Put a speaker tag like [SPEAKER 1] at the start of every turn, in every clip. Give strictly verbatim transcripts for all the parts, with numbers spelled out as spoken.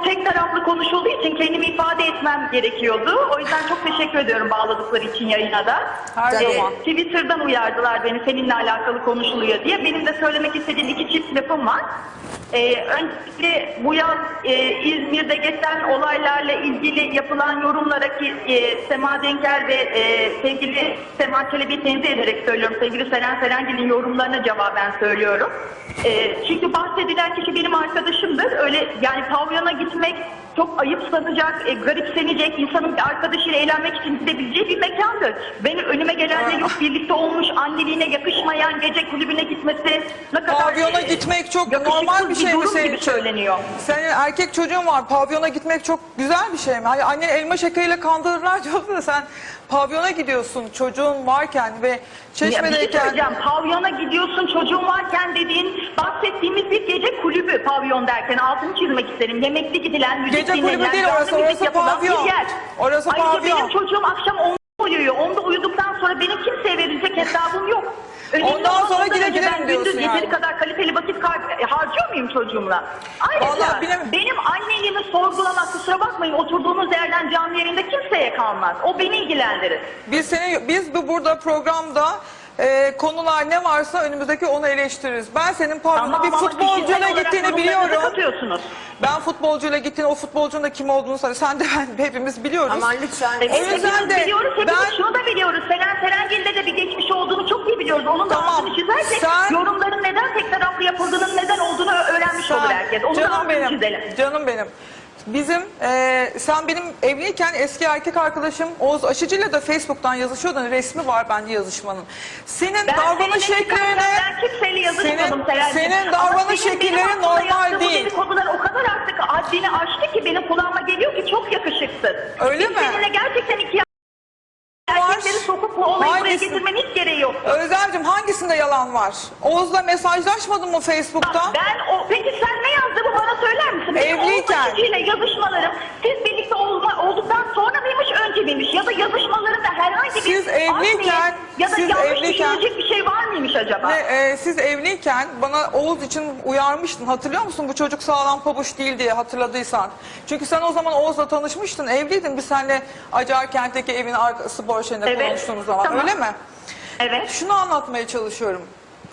[SPEAKER 1] çok tek taraflı konuşulduğu için kendimi ifade etmem gerekiyordu. O yüzden çok teşekkür ediyorum bağladıkları için yayına da.
[SPEAKER 2] Her
[SPEAKER 1] Ee,
[SPEAKER 2] zaman.
[SPEAKER 1] Twitter'dan uyardılar beni seninle alakalı konuşuluyor diye. Benim de söylemek istediğim iki çift lafım var. Ee, öncelikle bu yaz e, İzmir'de geçen olaylarla ilgili yapılan yorumlara ki e, Sema Denker ve e, sevgili Sema Çelebi'yi tenzih ederek söylüyorum. Sevgili Seren Serengil'in yorumlarına cevaben söylüyorum. E, çünkü bahsedilen kişi benim arkadaşımdır. Öyle yani pavyona gitmek çok ayıpsanacak, e, garipsenecek, insanın bir arkadaşıyla eğlenmek için gidebileceği bir mekandır. Benim önüme gelenle yok birlikte olmuş, anneliğine yakışmayan gece kulübüne gitmesi ne kadar...
[SPEAKER 2] Pavyona gitmek çok
[SPEAKER 1] yakışıksız
[SPEAKER 2] normal bir şey mi
[SPEAKER 1] durum
[SPEAKER 2] senin
[SPEAKER 1] gibi
[SPEAKER 2] için?
[SPEAKER 1] söyleniyor.
[SPEAKER 2] Senin erkek çocuğun var, pavyona gitmek çok güzel bir şey mi? Hani annen elma şekeriyle kandırırlar diyorsun da sen pavyona gidiyorsun çocuğun varken ve
[SPEAKER 1] Ya bir şey
[SPEAKER 2] Çeşme'deyken...
[SPEAKER 1] söyleyeceğim, pavyona gidiyorsun çocuğun varken dediğin bahsettiğimiz bir gece kulübü pavyon derken altını çizmek isterim. Yemekli gidilen, müzik
[SPEAKER 2] Gece
[SPEAKER 1] dinlenilen,
[SPEAKER 2] kulübü değil
[SPEAKER 1] canlı
[SPEAKER 2] orası,
[SPEAKER 1] müzik
[SPEAKER 2] orası
[SPEAKER 1] yapılan
[SPEAKER 2] pavyon.
[SPEAKER 1] bir yer.
[SPEAKER 2] Orası
[SPEAKER 1] Ayrıca
[SPEAKER 2] pavyon.
[SPEAKER 1] benim çocuğum akşam onda uyuyor. Onda uyuduktan sonra benim kimseye verilecek hesabım yok. Önemli
[SPEAKER 2] Ondan
[SPEAKER 1] olan
[SPEAKER 2] sonra
[SPEAKER 1] ondan
[SPEAKER 2] yine
[SPEAKER 1] önce
[SPEAKER 2] gidelim
[SPEAKER 1] ben
[SPEAKER 2] diyorsun
[SPEAKER 1] gündüz
[SPEAKER 2] yani.
[SPEAKER 1] yeteri kadar kaliteli vakit kar- harcıyor muyum çocuğumla? Ayrıca
[SPEAKER 2] Vallahi bilemem.
[SPEAKER 1] benim anneliğimi sorgulamak, kusura bakmayın, oturduğunuz yerden canlı yayında kimseye kalmaz. O beni ilgilendirir.
[SPEAKER 2] Biz seni, biz bu burada programda e, konular ne varsa önümüzdeki onu eleştiririz. Ben senin pavyona
[SPEAKER 1] Ama
[SPEAKER 2] bir
[SPEAKER 1] ama
[SPEAKER 2] futbolcuyla
[SPEAKER 1] kişisel olarak
[SPEAKER 2] gittiğini
[SPEAKER 1] yorumlarınızı
[SPEAKER 2] biliyorum.
[SPEAKER 1] katıyorsunuz.
[SPEAKER 2] Ben futbolcuyla gittiğini, o futbolcunun da kim olduğunu söyle. Sen de ben hepimiz biliyoruz.
[SPEAKER 3] Aman lütfen.
[SPEAKER 1] Evet,
[SPEAKER 2] O yüzden
[SPEAKER 1] hepimiz
[SPEAKER 2] de
[SPEAKER 1] biliyoruz, hepimiz
[SPEAKER 2] ben-
[SPEAKER 1] şunu da biliyoruz. Seren Serengil'de de bir geçmiş olduğunu çok iyi biliyoruz. Onun da
[SPEAKER 2] Tamam,
[SPEAKER 1] altını çizersek
[SPEAKER 2] sen-
[SPEAKER 1] yorumların neden tek taraflı yapıldığının neden olduğunu öğrenmiş olur herkes. Onu da
[SPEAKER 2] canım
[SPEAKER 1] altını
[SPEAKER 2] benim,
[SPEAKER 1] çizelim.
[SPEAKER 2] canım benim. Bizim, e, sen benim evliyken eski erkek arkadaşım Oğuz Aşıcı'yla da Facebook'tan yazışıyordun. Resmi var bence yazışmanın. Senin
[SPEAKER 1] Ben
[SPEAKER 2] davranış
[SPEAKER 1] seninle
[SPEAKER 2] şekline,
[SPEAKER 1] ben kimseyle yazışmadım
[SPEAKER 2] senin,
[SPEAKER 1] Seren'cim.
[SPEAKER 2] senin
[SPEAKER 1] Ama
[SPEAKER 2] davranış
[SPEAKER 1] senin benim
[SPEAKER 2] şekillerin
[SPEAKER 1] hakkında
[SPEAKER 2] normal
[SPEAKER 1] yaptığın bu
[SPEAKER 2] değil.
[SPEAKER 1] dedikodular o kadar artık haddini aştı ki benim kulağıma geliyor ki çok yakışıksız.
[SPEAKER 2] Öyle
[SPEAKER 1] Biz
[SPEAKER 2] mi?
[SPEAKER 1] seninle gerçekten iki
[SPEAKER 2] Var.
[SPEAKER 1] erkekleri sokup bu olayı buraya
[SPEAKER 2] Hangisi?
[SPEAKER 1] getirmenin hiç gereği yok.
[SPEAKER 2] Özlemciğim hangisinde yalan var? Oğuz'la mesajlaşmadın mı Facebook'ta?
[SPEAKER 1] Ben o peki sen ne yazdığımı bana söyler misin? Benim
[SPEAKER 2] Evliyken.
[SPEAKER 1] Oğuz Aşıcı'yla yazışmalarım siz birlikte olma, olduktan sonra mıymış önce miymiş? Ya da yazışmalarında herhangi bir
[SPEAKER 2] Siz
[SPEAKER 1] art
[SPEAKER 2] evliyken-
[SPEAKER 1] niyet ya da
[SPEAKER 2] siz
[SPEAKER 1] yanlış
[SPEAKER 2] evliyken-
[SPEAKER 1] düşünecek bir şey var mıymış acaba?
[SPEAKER 2] Ve, e, siz evliyken bana Oğuz için uyarmıştın. Hatırlıyor musun? Bu çocuk sağlam pabuç değil diye hatırladıysan. Çünkü sen o zaman Oğuz'la tanışmıştın. Evliydin. Biz seninle Acarkent'teki evin arkası boşluğunda
[SPEAKER 1] Evet,
[SPEAKER 2] konuştuğumuz zaman.
[SPEAKER 1] tamam.
[SPEAKER 2] Öyle mi?
[SPEAKER 1] Evet.
[SPEAKER 2] Şunu anlatmaya çalışıyorum.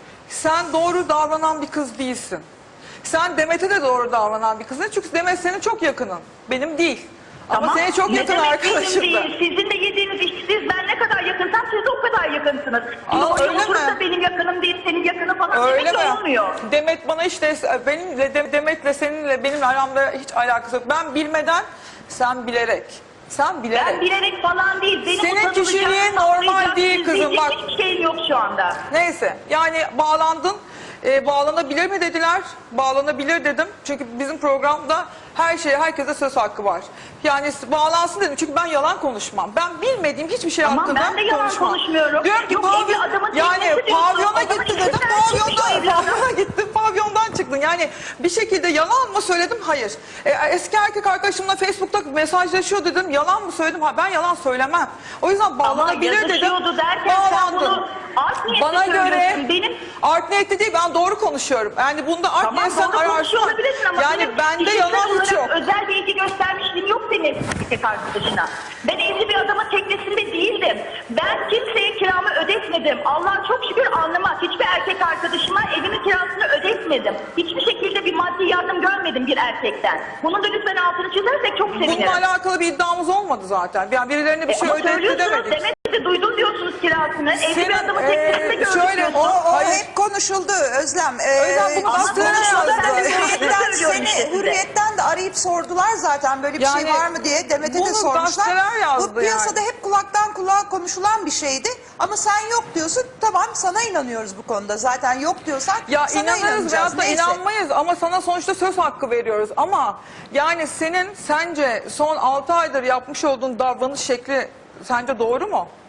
[SPEAKER 2] Sen doğru davranan bir kız değilsin. Sen Demet'e de doğru davranan bir kızsın. Çünkü Demet senin çok yakının. Benim değil. Ama
[SPEAKER 1] Tamam.
[SPEAKER 2] senin çok
[SPEAKER 1] Ne
[SPEAKER 2] yakın
[SPEAKER 1] demek
[SPEAKER 2] arkadaşın
[SPEAKER 1] benim
[SPEAKER 2] da.
[SPEAKER 1] değil. Sizin de yediğiniz iş, siz ben ne kadar yakınsam siz de o kadar yakınsınız. Şimdi
[SPEAKER 2] Aa,
[SPEAKER 1] orada
[SPEAKER 2] öyle
[SPEAKER 1] oturup
[SPEAKER 2] mi?
[SPEAKER 1] da benim yakınım değil, senin yakını falan
[SPEAKER 2] Öyle
[SPEAKER 1] demek de
[SPEAKER 2] mi?
[SPEAKER 1] olmuyor.
[SPEAKER 2] Demet bana işte benimle De- Demet'le seninle benim aramda hiç alakası yok. Ben bilmeden sen bilerek. Sen bilerek.
[SPEAKER 1] Ben bilerek falan değil. Benim
[SPEAKER 2] Senin
[SPEAKER 1] utanılacak,
[SPEAKER 2] kişiliğin normal
[SPEAKER 1] saklayacak,
[SPEAKER 2] değil kızım,
[SPEAKER 1] gizleyecek
[SPEAKER 2] bak.
[SPEAKER 1] hiçbir şeyim yok şu anda.
[SPEAKER 2] Neyse yani bağlandın. Ee, bağlanabilir mi dediler. Bağlanabilir dedim. Çünkü bizim programda her şeye herkese söz hakkı var. Yani bağlansın dedim. Çünkü ben yalan konuşmam. Ben bilmediğim hiçbir şey
[SPEAKER 1] Tamam,
[SPEAKER 2] hakkında
[SPEAKER 1] ben de yalan
[SPEAKER 2] konuşmam.
[SPEAKER 1] konuşmuyorum.
[SPEAKER 2] Diyorum ki
[SPEAKER 1] Yok,
[SPEAKER 2] pavyon-
[SPEAKER 1] evli adamın
[SPEAKER 2] yani
[SPEAKER 1] teknesi diyorsun,
[SPEAKER 2] pavyona
[SPEAKER 1] adamın
[SPEAKER 2] gitti dedim.
[SPEAKER 1] içinden çıkmış o evladım.
[SPEAKER 2] Pavyonda gittin, pavyondan çıktın. Yani bir şekilde yalan mı söyledim? Hayır. E, eski erkek arkadaşımla Facebook'ta mesajlaşıyor dedim. Yalan mı söyledim? Ha, ben yalan söylemem. O yüzden bağlanabilir dedim.
[SPEAKER 1] yazışıyordu derken sen bunu art niyetli
[SPEAKER 2] Bana göre
[SPEAKER 1] söylüyorsun. Benim
[SPEAKER 2] art niyetli değil, ben doğru konuşuyorum. Yani bunda art
[SPEAKER 1] Tamam,
[SPEAKER 2] niyetsen
[SPEAKER 1] doğru konuşuyor
[SPEAKER 2] ararsın.
[SPEAKER 1] olabilirsin ama
[SPEAKER 2] Yani
[SPEAKER 1] benim
[SPEAKER 2] bende
[SPEAKER 1] kişisel
[SPEAKER 2] yalan hiç
[SPEAKER 1] olarak
[SPEAKER 2] yok.
[SPEAKER 1] özel bir ilgi göstermişliğim yok senin erkek arkadaşına. Ben evli bir adamın teknesinde değildim. Ben kimseye kiramı ödetmedim. Allah'a çok şükür alnıma hiçbir erkek arkadaşıma evimin kirasını ödetmedim. Hiçbir şekilde bir maddi yardım görmedim bir erkekten. Bunun da lütfen altını çizersek çok sevinirim.
[SPEAKER 2] Bununla alakalı bir iddiamız olmadı zaten. Yani birilerine bir
[SPEAKER 1] E,
[SPEAKER 2] şey
[SPEAKER 1] ama
[SPEAKER 2] ödetti
[SPEAKER 1] söylüyorsunuz,
[SPEAKER 2] demedik.
[SPEAKER 1] demek ki duydum diyorsunuz kirasını. Evli
[SPEAKER 2] Senin,
[SPEAKER 1] bir adamın
[SPEAKER 2] e,
[SPEAKER 1] teknesinde gördük
[SPEAKER 2] şöyle,
[SPEAKER 1] diyorsunuz.
[SPEAKER 3] O, o
[SPEAKER 2] Hayır.
[SPEAKER 3] hep konuşuldu Özlem. Ee,
[SPEAKER 2] Özlem bunu
[SPEAKER 3] ama
[SPEAKER 2] bastırana
[SPEAKER 3] konuşuldu.
[SPEAKER 2] yazdı.
[SPEAKER 1] Ben de
[SPEAKER 3] Hürriyetten,
[SPEAKER 1] söylüyorum
[SPEAKER 3] seni,
[SPEAKER 1] işte size.
[SPEAKER 3] Hürriyetten de arayıp sordular zaten böyle bir
[SPEAKER 2] Yani
[SPEAKER 3] şey var mı diye. Demet'e de
[SPEAKER 2] bunu
[SPEAKER 3] sormuşlar.
[SPEAKER 2] gazeteler yazdı
[SPEAKER 3] Bu piyasada
[SPEAKER 2] yani.
[SPEAKER 3] hep kulaktan kulağa konuşulan bir şeydi. Ama sen yok diyorsun. Tamam, sana inanıyoruz bu konuda. Zaten yok diyorsan
[SPEAKER 2] Ya
[SPEAKER 3] sana
[SPEAKER 2] inanırız
[SPEAKER 3] inanacağız.
[SPEAKER 2] veyahut da
[SPEAKER 3] Neyse.
[SPEAKER 2] inanmayız ama sana sonuçta söz hakkı veriyoruz. Ama yani senin sence son altı aydır yapmış olduğun davranış şekli sence doğru mu?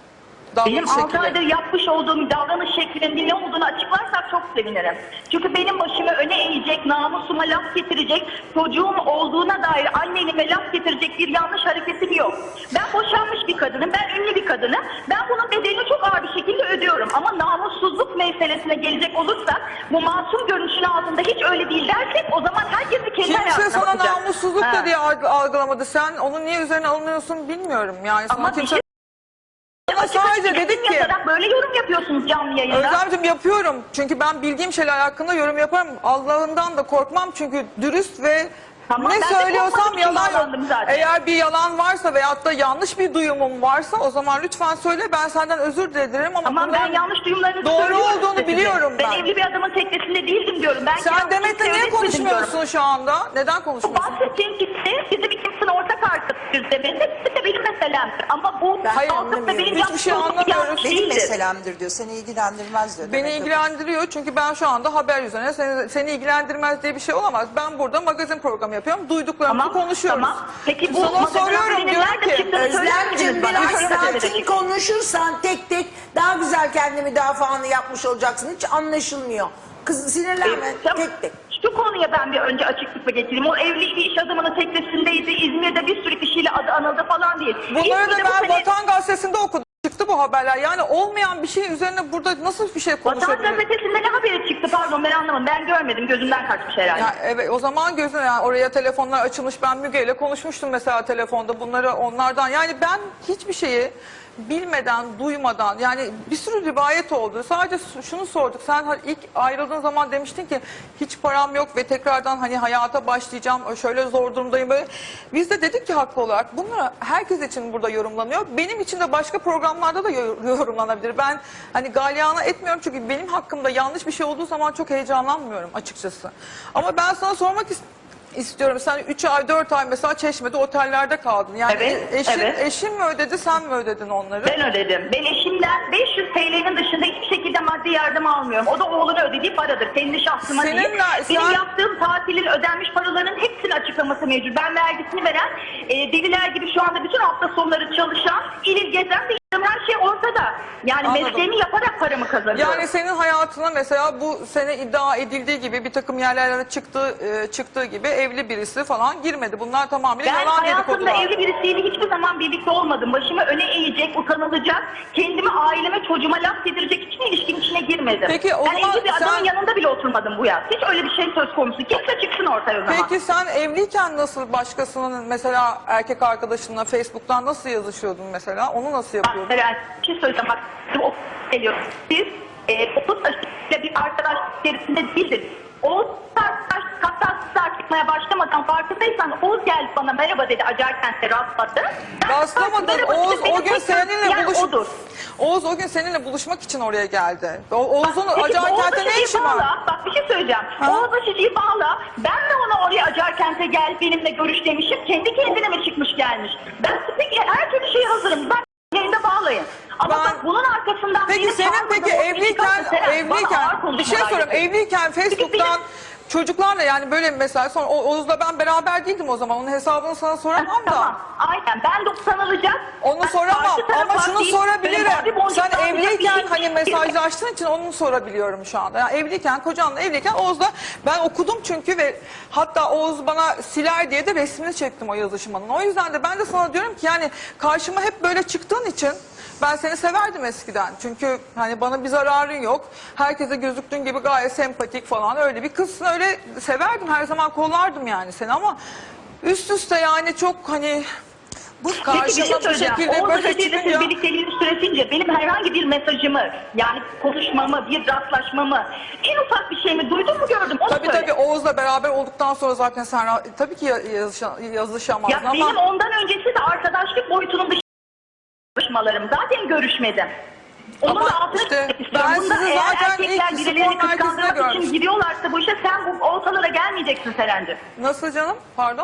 [SPEAKER 1] Benim
[SPEAKER 2] Davranış
[SPEAKER 1] altı
[SPEAKER 2] şekli.
[SPEAKER 1] aydır yapmış olduğum davranış şeklinin ne olduğunu açıklarsak çok sevinirim. Çünkü benim başımı öne eğecek, namusuma laf getirecek, çocuğum olduğuna dair annelime laf getirecek bir yanlış hareketim yok. Ben boşanmış bir kadınım, ben ünlü bir kadınım. Ben bunun bedelini çok ağır bir şekilde ödüyorum. Ama namussuzluk meselesine gelecek olursak, bu masum görünüşün altında hiç öyle değil dersek, o zaman herkesi kendi
[SPEAKER 2] Kimse
[SPEAKER 1] hayatına
[SPEAKER 2] sana
[SPEAKER 1] bakacak.
[SPEAKER 2] namussuzluk
[SPEAKER 1] Ha.
[SPEAKER 2] da diye alg- algılamadı. Sen onu niye üzerine alınıyorsun bilmiyorum. Yani sana
[SPEAKER 1] Ama bir
[SPEAKER 2] kimse...
[SPEAKER 1] şey
[SPEAKER 2] Sana sadece
[SPEAKER 1] Açık
[SPEAKER 2] dedik ki...
[SPEAKER 1] yazarak böyle yorum yapıyorsunuz canlı yayında.
[SPEAKER 2] Özlemciğim yapıyorum. Çünkü ben bildiğim şeyler hakkında yorum yaparım. Allah'ından da korkmam çünkü dürüst ve
[SPEAKER 1] Tamam,
[SPEAKER 2] ne
[SPEAKER 1] ben de
[SPEAKER 2] söylüyorsam
[SPEAKER 1] korkmadım,
[SPEAKER 2] yalan yok.
[SPEAKER 1] bağlandım zaten.
[SPEAKER 2] Eğer bir yalan varsa veyahut da yanlış bir duyumum varsa o zaman lütfen söyle, ben senden özür dilerim ama
[SPEAKER 1] Tamam, ben
[SPEAKER 2] bunların
[SPEAKER 1] yanlış duyumlarınızı
[SPEAKER 2] doğru
[SPEAKER 1] söylüyorum
[SPEAKER 2] olduğunu
[SPEAKER 1] size.
[SPEAKER 2] biliyorum ben.
[SPEAKER 1] Ben evli bir adamın teknesinde değildim diyorum. Ben
[SPEAKER 2] Sen
[SPEAKER 1] kendimi
[SPEAKER 2] Demet'le
[SPEAKER 1] kimseye
[SPEAKER 2] niye
[SPEAKER 1] öğretmedim
[SPEAKER 2] konuşmuyorsun
[SPEAKER 1] diyorum.
[SPEAKER 2] şu anda? Neden
[SPEAKER 1] Bu
[SPEAKER 2] konuşmuyorsun?
[SPEAKER 1] bahsettiğim kimse bizim ikimizin ortak arkadaşıyız Demet'le. Bu da benim meselemdir. Ama bu
[SPEAKER 2] Hayır,
[SPEAKER 1] kalkıp da
[SPEAKER 3] anlamıyorum.
[SPEAKER 1] benim
[SPEAKER 2] Hiçbir şey
[SPEAKER 1] yaptığım
[SPEAKER 2] anlamıyoruz.
[SPEAKER 1] yanlış
[SPEAKER 3] Benim
[SPEAKER 1] değildir.
[SPEAKER 3] meselemdir diyor. Seni ilgilendirmez diyor.
[SPEAKER 2] Beni
[SPEAKER 3] Demek ki.
[SPEAKER 2] ilgilendiriyor çünkü ben şu anda haber üzerine seni, seni ilgilendirmez diye bir şey olamaz. Ben burada magazin programı yapıyorum. Duyduklarımızı
[SPEAKER 1] Tamam,
[SPEAKER 2] konuşuyoruz.
[SPEAKER 1] tamam. Peki bu
[SPEAKER 2] Sana
[SPEAKER 1] magazin
[SPEAKER 2] soruyorum
[SPEAKER 1] haberinin
[SPEAKER 2] diyorum
[SPEAKER 1] nerede
[SPEAKER 2] ki
[SPEAKER 1] çıktığını söyler
[SPEAKER 4] Özlemciğim
[SPEAKER 1] misiniz bana?
[SPEAKER 4] biraz
[SPEAKER 1] Şöyle gazetede
[SPEAKER 4] sakin
[SPEAKER 1] çıktı.
[SPEAKER 4] konuşursan tek tek daha güzel kendi müdafaanı yapmış olacaksın. Hiç anlaşılmıyor. Kız sinirlenme
[SPEAKER 1] Ee, tamam.
[SPEAKER 4] tek tek.
[SPEAKER 1] Şu konuya ben bir önce açıklık getireyim. O evli bir iş adamının teknesindeydi. İzmir'de bir sürü kişiyle adı anıldı falan değil.
[SPEAKER 2] bunları da
[SPEAKER 1] İzmir'de bu
[SPEAKER 2] ben
[SPEAKER 1] sene-
[SPEAKER 2] Vatan Gazetesi'nde okudum. Çıktı bu haberler. Yani olmayan bir şey üzerine burada nasıl bir şey
[SPEAKER 1] Vatan
[SPEAKER 2] konuşabiliriz?
[SPEAKER 1] gazetesinde ne haberi çıktı, pardon ben anlamadım. Ben görmedim, gözümden kaçmış herhalde.
[SPEAKER 2] Ya evet, o zaman gözüne yani oraya telefonlar açılmış. Ben Müge ile konuşmuştum mesela telefonda bunları onlardan. Yani ben hiçbir şeyi bilmeden, duymadan, yani bir sürü rivayet oldu. Sadece şunu sorduk. Sen ilk ayrıldığın zaman demiştin ki hiç param yok ve tekrardan hani hayata başlayacağım. Şöyle zor durumdayım böyle. Biz de dedik ki haklı olarak bunlar herkes için burada yorumlanıyor. Benim için de başka programlarda da yorumlanabilir. Ben hani galyana etmiyorum çünkü benim hakkımda yanlış bir şey olduğu zaman çok heyecanlanmıyorum açıkçası. Ama ben sana sormak istiyorum. İstiyorum. Sen üç ay, dört ay mesela Çeşme'de otellerde kaldın. Yani
[SPEAKER 1] Evet,
[SPEAKER 2] eşin,
[SPEAKER 1] evet.
[SPEAKER 2] eşin mi ödedi, sen mi ödedin onları?
[SPEAKER 1] Ben ödedim. Ben eşimden beş yüz T L'nin dışında hiçbir şekilde maddi yardım almıyorum. O da oğlunu ödediği paradır. Kendi şahsıma
[SPEAKER 2] Seninle-
[SPEAKER 1] değil.
[SPEAKER 2] sen-
[SPEAKER 1] Benim yaptığım tatilin ödenmiş paraların hepsinin açıklaması mevcut. Ben vergisini veren, e, deliler gibi şu anda bütün hafta sonları çalışan, il il gezen bir her şey ortada. Yani
[SPEAKER 2] Anladım.
[SPEAKER 1] mesleğimi yaparak paramı kazanıyorum.
[SPEAKER 2] Yani senin hayatına mesela bu sene iddia edildiği gibi bir takım yerlere çıktığı, e, çıktığı gibi evli birisi falan girmedi. Bunlar tamamıyla
[SPEAKER 1] Ben
[SPEAKER 2] yalan
[SPEAKER 1] hayatımda
[SPEAKER 2] dedikodular.
[SPEAKER 1] evli birisiyle hiçbir zaman birlikte olmadım. Başımı öne eğecek, utanılacak, kendime, aileme, çocuğuma laf yedirecek hiçbir ilişkin içine girmedim.
[SPEAKER 2] Peki, o
[SPEAKER 1] ben
[SPEAKER 2] zaman
[SPEAKER 1] evli bir adamın
[SPEAKER 2] sen-
[SPEAKER 1] yanında bile oturmadım bu yaz. Hiç öyle bir şey söz konusu. Kimse çıksın ortaya o zaman.
[SPEAKER 2] Peki sen evliyken nasıl başkasının mesela erkek arkadaşınla Facebook'tan nasıl yazışıyordun mesela? Onu nasıl
[SPEAKER 1] Bak
[SPEAKER 2] yapıyordun?
[SPEAKER 1] Beren, bir şey söyleyeceğim. Bak, o geliyor. Siz e, otuz yaşında bir arkadaş içerisinde değildiniz. Oğuz arkadaş, hatta siz çıkmaya başlamadan farkındaysan Oğuz geldi bana merhaba dedi, Acarkent'te rastladı. Ben
[SPEAKER 2] Rastlamadın.
[SPEAKER 1] merhaba
[SPEAKER 2] Oğuz
[SPEAKER 1] dedim, benim
[SPEAKER 2] o gün
[SPEAKER 1] tek
[SPEAKER 2] seninle
[SPEAKER 1] yer
[SPEAKER 2] buluş.
[SPEAKER 1] odur.
[SPEAKER 2] Oğuz o gün seninle buluşmak için oraya geldi. O, Oğuz'un
[SPEAKER 1] Peki,
[SPEAKER 2] Acarkent'te ne
[SPEAKER 1] Oğuz'a
[SPEAKER 2] işi
[SPEAKER 1] şişeyi
[SPEAKER 2] var?
[SPEAKER 1] bağla. Bak bir şey söyleyeceğim.
[SPEAKER 2] Ha?
[SPEAKER 1] Oğuz'a şişeyi bağla. Ben de ona oraya Acarkent'e gel benimle görüş demişim. Kendi kendine mi çıkmış gelmiş? Ben peki her türlü şeye hazırım. Ben yayında bağlayın. Ama
[SPEAKER 2] Ben-
[SPEAKER 1] bak bunun arkasından
[SPEAKER 2] Peki
[SPEAKER 1] benim
[SPEAKER 2] senin
[SPEAKER 1] çağırmadığım
[SPEAKER 2] peki
[SPEAKER 1] o kişi
[SPEAKER 2] evliyken
[SPEAKER 1] kalktı, Seren, bana ağır
[SPEAKER 2] evliyken bir
[SPEAKER 1] konuşmalar
[SPEAKER 2] şey soruyorum.
[SPEAKER 1] yapıyor.
[SPEAKER 2] Evliyken Facebook'tan çocuklarla yani böyle mesela sonra O- Oğuz'la ben beraber değildim o zaman. Onun hesabını sana soramam da.
[SPEAKER 1] Tamam, aynen. Ben de utanılacak.
[SPEAKER 2] Onu
[SPEAKER 1] Ben
[SPEAKER 2] soramam
[SPEAKER 1] karşı tarafa
[SPEAKER 2] ama şunu
[SPEAKER 1] değil,
[SPEAKER 2] sorabilirim.
[SPEAKER 1] benim abi boncuktan
[SPEAKER 2] Sen
[SPEAKER 1] bir
[SPEAKER 2] evliyken
[SPEAKER 1] şey-
[SPEAKER 2] hani mesajlaştığın için onu sorabiliyorum şu anda. Yani evliyken, kocanla evliyken Oğuz'la ben okudum çünkü ve hatta Oğuz bana siler diye de resmini çektim o yazışmanın. O yüzden de ben de sana diyorum ki yani karşıma hep böyle çıktığın için ben seni severdim eskiden. Çünkü hani bana bir zararın yok. Herkese gözüktüğün gibi gayet sempatik falan öyle bir kızsın. Öyle severdim, her zaman kollardım yani seni ama üst üste yani çok hani bu
[SPEAKER 1] Peki bir şey
[SPEAKER 2] karşıma bu
[SPEAKER 1] söyleyeceğim.
[SPEAKER 2] şekilde
[SPEAKER 1] Oğuz'la
[SPEAKER 2] böyle
[SPEAKER 1] dediğinde siz
[SPEAKER 2] çıkınca
[SPEAKER 1] birlikteliğiniz süresince benim herhangi bir mesajımı yani konuşmamı, bir rastlaşmamı en ufak bir şey mi duydun mu gördüm onu
[SPEAKER 2] tabii
[SPEAKER 1] söyle.
[SPEAKER 2] tabii Oğuz'la beraber olduktan sonra zaten sen ra- tabii ki ya- yazışa- yazışamazdın
[SPEAKER 1] Ya
[SPEAKER 2] ama
[SPEAKER 1] benim ondan öncesi de arkadaşlık boyutunun dışında görüşmelerim. Zaten görüşmedim. Onun
[SPEAKER 2] Ama
[SPEAKER 1] da altını
[SPEAKER 2] işte
[SPEAKER 1] çizmek istiyorum.
[SPEAKER 2] ben
[SPEAKER 1] Bunda
[SPEAKER 2] sizi
[SPEAKER 1] eğer
[SPEAKER 2] zaten
[SPEAKER 1] erkekler
[SPEAKER 2] ilk
[SPEAKER 1] birilerini
[SPEAKER 2] spor merkezinde
[SPEAKER 1] kıskandırmak için
[SPEAKER 2] görmüştüm.
[SPEAKER 1] giriyorlarsa bu işe sen bu ortalara gelmeyeceksin Seren'cim.
[SPEAKER 2] nasıl canım? Pardon?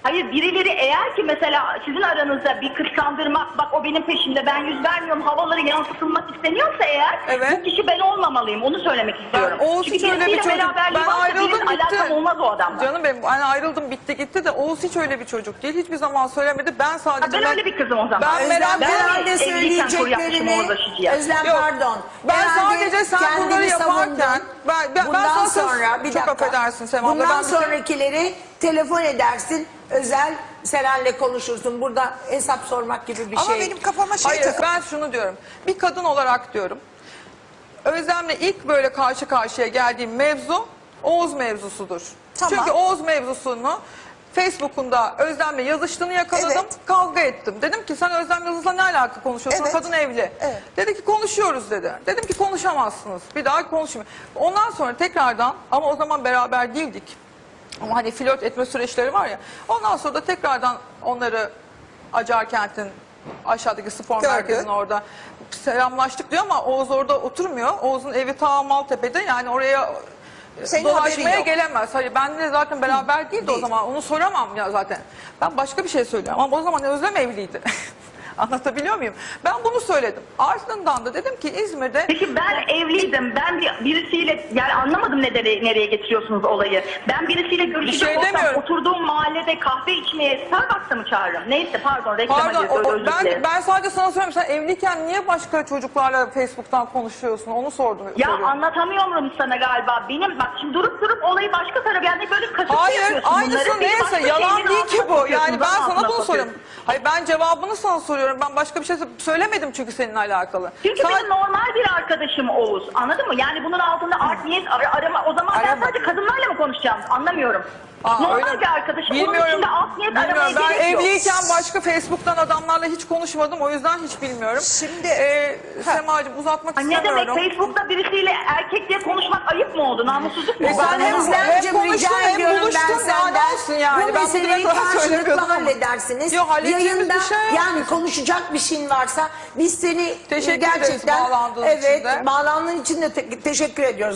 [SPEAKER 1] Hayır, birileri eğer ki mesela sizin aranızda bir kıskandırma, bak o benim peşimde ben yüz vermiyorum havaları yansıtılmak isteniyorsa eğer,
[SPEAKER 2] Evet.
[SPEAKER 1] bu kişi ben olmamalıyım, onu söylemek istiyorum.
[SPEAKER 2] Oğuz
[SPEAKER 1] Çünkü
[SPEAKER 2] hiç öyle bir
[SPEAKER 1] birisiyle
[SPEAKER 2] çocuk.
[SPEAKER 1] beraberliği
[SPEAKER 2] Ben
[SPEAKER 1] varsa
[SPEAKER 2] ayrıldım
[SPEAKER 1] birinin
[SPEAKER 2] bitti.
[SPEAKER 1] alakam olmaz o adamla.
[SPEAKER 2] Canım benim hani ayrıldım bitti gitti de Oğuz hiç öyle bir çocuk değil. Hiçbir zaman söylemedi. Ben sadece...
[SPEAKER 1] Ha, ben öyle bir kızım o zaman.
[SPEAKER 2] Ben
[SPEAKER 4] Özlem
[SPEAKER 2] merak
[SPEAKER 1] ben
[SPEAKER 4] herhalde
[SPEAKER 1] evliyken kuru yapmışım
[SPEAKER 4] söyleyeceklerini,
[SPEAKER 1] orada şişeye.
[SPEAKER 4] Özlem
[SPEAKER 2] Yok,
[SPEAKER 4] pardon.
[SPEAKER 2] ben
[SPEAKER 4] Herhalde
[SPEAKER 2] sadece sen
[SPEAKER 4] kendini
[SPEAKER 2] bunları yaparken-
[SPEAKER 4] savundun.
[SPEAKER 2] Ben- ben- ben
[SPEAKER 4] bundan
[SPEAKER 2] sana söz-
[SPEAKER 4] sonra bir
[SPEAKER 2] çok
[SPEAKER 4] dakika.
[SPEAKER 2] affedersin Sema abla,
[SPEAKER 4] Bundan
[SPEAKER 2] ben bir şey-
[SPEAKER 4] sonrakileri telefon edersin. Özel Seren'le konuşursun. Burada hesap sormak gibi bir
[SPEAKER 3] Ama
[SPEAKER 4] şey.
[SPEAKER 3] benim kafama şey
[SPEAKER 2] Hayır
[SPEAKER 3] takıldı.
[SPEAKER 2] ben şunu diyorum. Bir kadın olarak diyorum. Özlem'le ilk böyle karşı karşıya geldiğim mevzu Oğuz mevzusudur.
[SPEAKER 3] Tamam.
[SPEAKER 2] Çünkü Oğuz mevzusunu Facebook'unda Özlem'le yazıştığını yakaladım.
[SPEAKER 3] Evet.
[SPEAKER 2] Kavga ettim. Dedim ki sen Özlem Yıldız'la ne alaka konuşuyorsun?
[SPEAKER 3] Evet.
[SPEAKER 2] Kadın evli.
[SPEAKER 3] Evet.
[SPEAKER 2] Dedi ki konuşuyoruz dedi. Dedim ki konuşamazsınız. Bir daha konuşmayın. Ondan sonra tekrardan ama o zaman beraber değildik. Ama hani flört etme süreçleri var ya. Ondan sonra da tekrardan onları Acarkent'in aşağıdaki spor
[SPEAKER 3] Gördü.
[SPEAKER 2] merkezinin orada selamlaştık diyor ama Oğuz orada oturmuyor. Oğuz'un evi ta Maltepe'de, yani oraya e,
[SPEAKER 3] Senin haberin
[SPEAKER 2] dolaşmaya
[SPEAKER 3] yok.
[SPEAKER 2] gelemez. Hayır benimle zaten beraber değildi
[SPEAKER 3] Değil.
[SPEAKER 2] o zaman. Onu soramam ya zaten. Ben başka bir şey söylüyorum ama o zaman Özlem evliydi. Anlatabiliyor muyum? Ben bunu söyledim. Ardından da dedim ki İzmir'de...
[SPEAKER 1] Peki ben evliydim. Ben bir, birisiyle yani anlamadım ne nereye, nereye getiriyorsunuz olayı. Ben birisiyle görüşecek
[SPEAKER 2] şey
[SPEAKER 1] olsam
[SPEAKER 2] demiyorum.
[SPEAKER 1] oturduğum mahallede kahve içmeye Starbucks'a mı çağırırım? Neyse pardon reklama
[SPEAKER 2] Pardon,
[SPEAKER 1] giriyoruz,
[SPEAKER 2] o-
[SPEAKER 1] özür
[SPEAKER 2] ben,
[SPEAKER 1] dilerim.
[SPEAKER 2] ben sadece sana söylüyorum. Sen evliyken niye başka çocuklarla Facebook'tan konuşuyorsun? Onu sordum.
[SPEAKER 1] Ya
[SPEAKER 2] soruyorum.
[SPEAKER 1] anlatamıyorum sana galiba. Benim bak şimdi durup durup olayı başka tarafa yani böyle kasıtlı
[SPEAKER 2] Hayır,
[SPEAKER 1] yapıyorsun bunları.
[SPEAKER 2] aynısı
[SPEAKER 1] Beni başka
[SPEAKER 2] neyse yalan
[SPEAKER 1] şeylerin
[SPEAKER 2] değil ki
[SPEAKER 1] altına
[SPEAKER 2] bu.
[SPEAKER 1] sokuyorsun,
[SPEAKER 2] Yani ben
[SPEAKER 1] zan
[SPEAKER 2] sana
[SPEAKER 1] altına
[SPEAKER 2] bunu
[SPEAKER 1] sokuyorsun.
[SPEAKER 2] soruyorum. Hayır ben cevabını sana soruyorum. Ben başka bir şey söylemedim çünkü seninle alakalı.
[SPEAKER 1] Çünkü
[SPEAKER 2] Sa-
[SPEAKER 1] benim normal bir arkadaşım Oğuz. Anladın mı? Yani bunun altında art niyet ar- arama. O zaman ben
[SPEAKER 2] Arama.
[SPEAKER 1] sadece kadınlarla mı konuşacağım? Anlamıyorum.
[SPEAKER 2] Aa,
[SPEAKER 1] normal
[SPEAKER 2] öyle mi?
[SPEAKER 1] bir arkadaşım. Onun
[SPEAKER 2] Bilmiyorum.
[SPEAKER 1] içinde alt niyet
[SPEAKER 2] Bilmiyorum.
[SPEAKER 1] aramaya
[SPEAKER 2] Ben
[SPEAKER 1] gerek yok.
[SPEAKER 2] evliyken başka Facebook'tan adamlarla hiç konuşmadım. O yüzden hiç bilmiyorum.
[SPEAKER 3] Şimdi-
[SPEAKER 2] Ee,
[SPEAKER 3] Ha.
[SPEAKER 2] Semacığım uzatmak
[SPEAKER 1] Ha, ne demek
[SPEAKER 2] istemiyorum.
[SPEAKER 1] Facebook'ta birisiyle erkek diye konuşmak ayıp mı oldu? Namussuzluk mu?
[SPEAKER 2] E
[SPEAKER 1] oldu?
[SPEAKER 2] sen hem-
[SPEAKER 1] Anlamadım.
[SPEAKER 4] Özlemciğim,
[SPEAKER 2] hem konuştun,
[SPEAKER 4] rica
[SPEAKER 2] hem
[SPEAKER 4] ediyorum
[SPEAKER 2] buluştun,
[SPEAKER 4] ben
[SPEAKER 2] daha
[SPEAKER 4] senden.
[SPEAKER 2] ne olsun yani?
[SPEAKER 4] Bu
[SPEAKER 2] Ben bugüne
[SPEAKER 4] meseleyi
[SPEAKER 2] kadar söylemiyordum
[SPEAKER 4] karşılıklı
[SPEAKER 2] ama.
[SPEAKER 4] halledersiniz.
[SPEAKER 2] Yok, halledeceğimiz
[SPEAKER 4] Yayında
[SPEAKER 2] bir şey yok.
[SPEAKER 4] yani konuşacak bir şeyin varsa biz seni
[SPEAKER 2] Teşekkür ederiz
[SPEAKER 4] gerçekten
[SPEAKER 2] bağlandığın için
[SPEAKER 4] evet,
[SPEAKER 2] de.
[SPEAKER 4] bağlandığın için de te- teşekkür ediyoruz.